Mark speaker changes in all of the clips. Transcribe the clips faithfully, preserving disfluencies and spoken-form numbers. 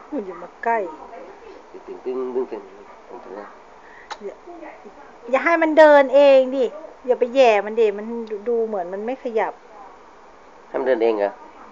Speaker 1: อย่ามาใกล้
Speaker 2: ตึงตึงตึงตึงตึงตึง
Speaker 1: อย่าอย่าให้มันเดินเองดิอย่าไปแย่มันดิมันดูเหมือนมันไม่ขยับ
Speaker 2: ให้มันเดินเองเหรอ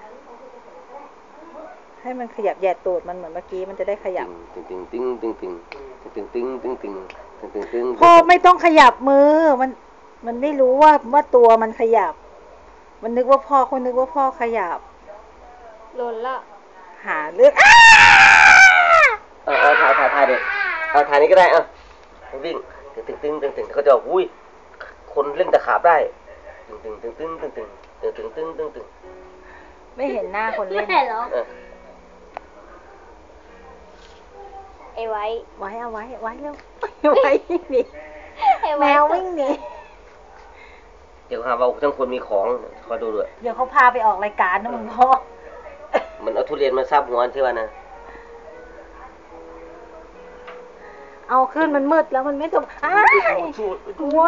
Speaker 1: ให้มันขยับแย่ตูดมันเหมือนเมื่อกี้มันจะได้ขยับ
Speaker 2: ตึงตึงตึงตึงตึงตึงตึงตึงตึงตึงตึงตึง
Speaker 1: พ่อไม่ต้องขยับมือมันมันไม่รู้ว่าว่าตัวมันขยับมันนึกว่าพ่อคนนึกว่าพ่อขยับ
Speaker 3: หล่นละ
Speaker 1: หาเรื่อง
Speaker 2: เอาเอาถ่ายถ่ายถ่ายดิเอาถ่ายนี้ก็ได้เอาวิ่งตึงตึงตึงตึงตึงเขาจะบอกอุ้ยคนเล่นตะขาบได้ตึงตึงตึงตึงตึงตึงตึงตึงตึงตึงตึง
Speaker 1: ไม่เห็นหน้าคนเล่น
Speaker 3: เหรอไอ้ไว้
Speaker 1: ไว้เอาไว้ไว้เร็วไว้วิ่งหนีแมววิ่งหนี
Speaker 2: เดี๋ยวหาว่าทั้งคนมีของคอยดูด้วย
Speaker 1: เดี๋ยวเขาพาไปออกรายการนะมึงพ่อ
Speaker 2: มันเอาทุเรียนมาซับหัวที่ว่านะ
Speaker 1: เอาขึ้นมันมืดแล้วมันไม่จบอ้าวกลัว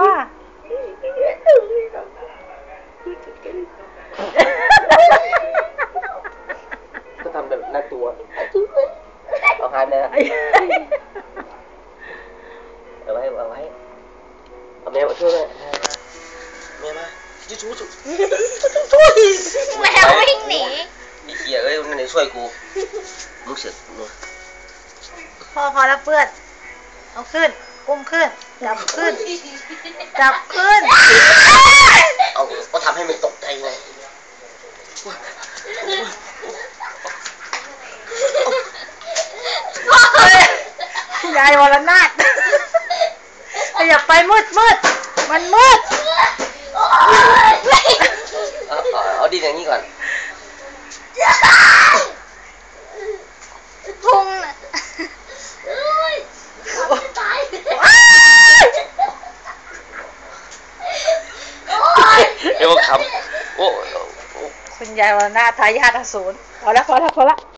Speaker 2: ก็ทำแบบน่ากลัวเอาหายไปเลยเอาไว้เอาไว้เอาแมวมาช่วยเลยแมวมายิ่งชู้ชู้
Speaker 3: แมววิ่งหนี
Speaker 2: ไอ้เหี้ยเอ้ยมันไหนช่วยกูมึงเสือก
Speaker 1: พอพอแล้วเพื่อนเอาขึ้นกุ้มขึ้นจับขึ้นจับขึ้น
Speaker 2: เอาก็ทำให้มันตกใจไง
Speaker 1: ยายวรนาถอย่าไปมืดมืดมันมืด
Speaker 2: เอาเอาดินอย่างนี้ก่อน
Speaker 3: พุง
Speaker 2: เดี๋ยวขำโอ้
Speaker 1: คุณยายวรนาถทายาทอสูรพอแล้วพอแล้วพอแล้ว